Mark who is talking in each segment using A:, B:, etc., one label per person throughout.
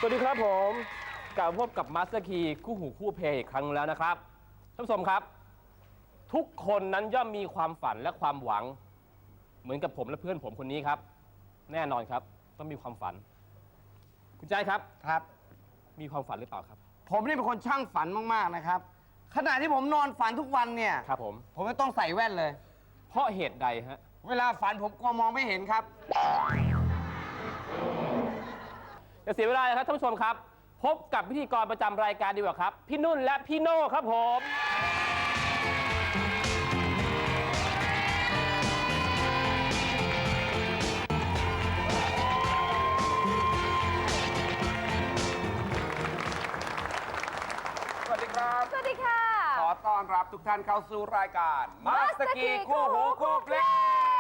A: วัสดีครับผมกลับพบกับมาสเตอร์คีคู่หูคู่เพลงอีกครั้งแล้วนะครับท่านผู้ชมครับทุกคนนั้นย่อมมีความฝันและความหวังเหมือนกับผมและเพื่อนผมคนนี้ครับแน่นอนครับต้องมีความฝันคุณใจครับ
B: ครับ
A: มีความฝันหรือเปล่าครับ
B: ผมนี่เป็นคนช่างฝันมากๆนะครับขณะที่ผมนอนฝันทุกวันเนี่ย
A: ครับผม
B: ไม่ต้องใส่แว่นเลย
A: เพราะเหตุใดฮะ
B: เวลาฝันผมกลัวมองไม่เห็นครับ
A: อย่าเสียเวลาเลยครับท่านผู้ชมครับพบกับพิธีกรประจำรายการดีกว่าครับพี่นุ่นและพี่โน่ครับผม
C: สวัสดีครับ
D: สวัสดีค่ะ
C: ขอต้อนรับทุกท่านเข้าสู่รายการมาสเตอร์คีคู่หูคู่เพลง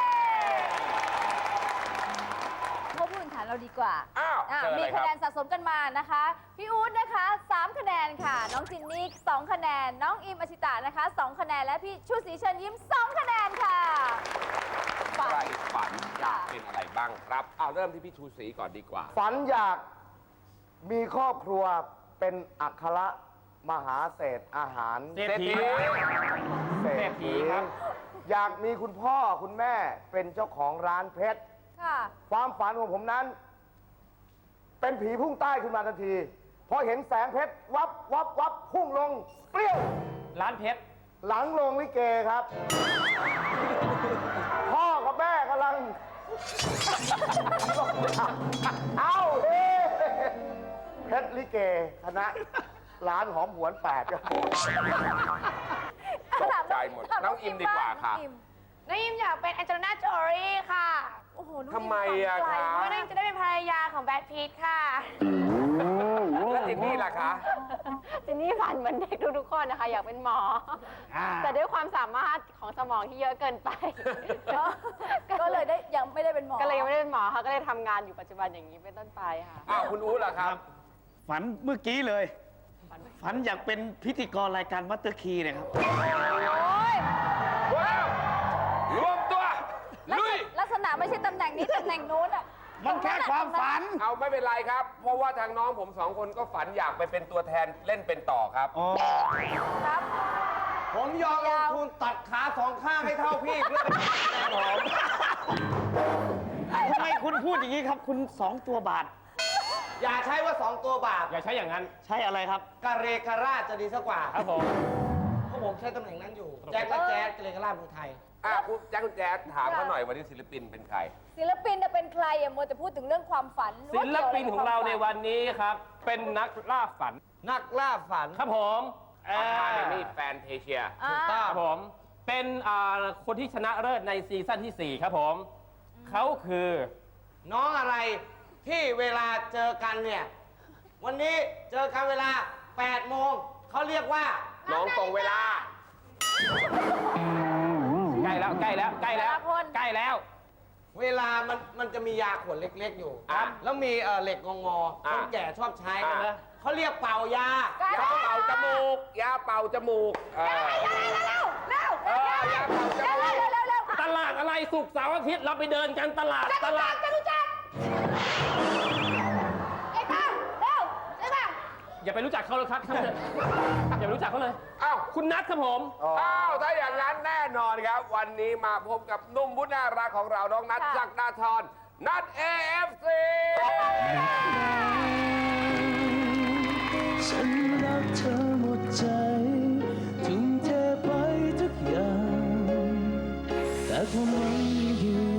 D: พบผู้แข่งขันเราดีกว่า
C: มี
D: คะแนนสะสมกันมานะคะพี่อู๊ดนะคะ3คะแนนค่ะน้องจินนี่2คะแนนน้องอิมอชิตะนะคะ2คะแนนและพี่ชูศรีเชิญยิ้ม2คะแนนค่ะ
C: ใครฝันอยากเป็นอะไรบ้างครับเริ่มที่พี่ชูศรีก่อนดีกว่า
B: ฝันอยากมีครอบครัวเป็นอัครมหาเศรษฐอาหาร
A: เศรษฐีครับ
B: อยากมีคุณพ่อคุณแม่เป็นเจ้าของร้านเพชรความฝันของผมนั้นเป็นผีพุ่งใต้ขึ้นมาทันทีพอเห็นแสงเพชรวับวับวับพุ่งลงเปรี้ยว
A: ร้านเพชร
B: หลังโรงลิเกครับ พ่อกับแม่กำลังเอาเพชรลิเกคณะร้านหอมหวน8ครับ
C: ตกใจหมดน้องอิมดีกว่าค่ะ
E: น้องอิมอยากเป็นแองเจลิน่าโจลี่ค่ะ
D: โอ้โห
C: ทำไมอะคะ
E: เพราะน้องอิมจะได้เป็นภรรยาของแบรดพีทค่ะ
C: แล้วจินนี่ล่ะคะ
E: จินนี่ฝันเหมือนเด็กทุกๆคนนะคะอยากเป็นหมอแต่ด้วยความสามารถของสมองที่เยอะเกินไป
D: ก็เลยยังไม่ได้เป็นหมอ
E: ก็เลยยังไม่ได้เป็นหมอค่ะก็เลยทำงานอยู่ปัจจุบันอย่างนี้เป็นต้นไปค่ะ
C: คุณอู๋ล่ะครับ
F: ฝันเมื่อกี้เลยฝันอยากเป็นพิธีกรรายการมัตเตอร์คีเนี่ยครับ
C: ว้าวรวมตัวลุย
D: ลักษณะไม่ใช่ตำแหน่งนี้ตำแหน่งนู้นอ่ะ
F: มันแค่ความฝัน
C: ไม่เป็นไรครับเพราะว่าทางน้องผม2 คนก็ฝันอยากไปเป็นตัวแทนเล่นเป็นต่อครับ
D: ครับ
B: ผมยอมลงทุนตัดขา2 ข้างให้เท่าพี่เพื่อเป็นแฟนผม
F: ทำไมคุณพูดอย่างนี้ครับคุณ2 ตัวบาท
B: อย่าใช้ว่า2 ตัวบาท
A: อย่าใช้อย่างนั้น
F: ใช้อะไรครับ
B: กะเรกะราชจะดีสักกว่า
A: ครับผม
B: เพราะผมใช้ตำแหน่งนั้นอยู่แจ็คและแจ๊ดกะเรกะราชเมืองไทย
C: คุณแจ็คคุณแจ๊ดถามเขาหน่อยวันนี้ศิลปินเป็นใคร
D: ศิลปินจะเป็นใครมัวแต่พูดถึงเรื่องความฝัน
A: ศิลปินของเราในวันนี้ครับเป็นนักล่าฝัน
B: นักล่าฝัน
A: ครับผม
C: นี่แฟนเทเชีย
A: ถูกต้องครับผมเป็นคนที่ชนะเลิศในซีซั่นที่4ครับผมเขาคือ
B: น้องอะไรที่เวลาเจอกันเนี่ยวันนี้เจอกันเวลา8 โมงเขาเรียกว่า
C: น้องตรงเวลา
A: ใกล้แล้วใกล้แล้วใกล้แล้วใกล้แล้ว
B: เวลามันจะมียาขวดเล็กๆอยู่แล้วมีเหล็กงอคนแก่ชอบใช้กันนะเขาเรียกเป่ายาย
C: าเป่าจมูกยาเป่าจมูก
D: เร็วยาเป่าจมูก
A: ตลาดอะไรศุกร์เสาร์อาทิตย์เราไปเดินกันตลาด
D: จะรู้จักไอ้ป้าเร็วใช่ป่ะ
A: อย่าไปรู้จักเขาเลยครับอย่าไปรู้จักเขาเลยคุณนัทครับผม
C: ถ้าอย่างนั้นแน่นอนครับวันนี้มาพบกับหนุ่มผู้น่ารักของเราน้องนัทศักดาธรนัท AFC
G: ฉันรักเธอหมดใจทุ่มเทไปทุกอย่างแต่ความหวังอยู่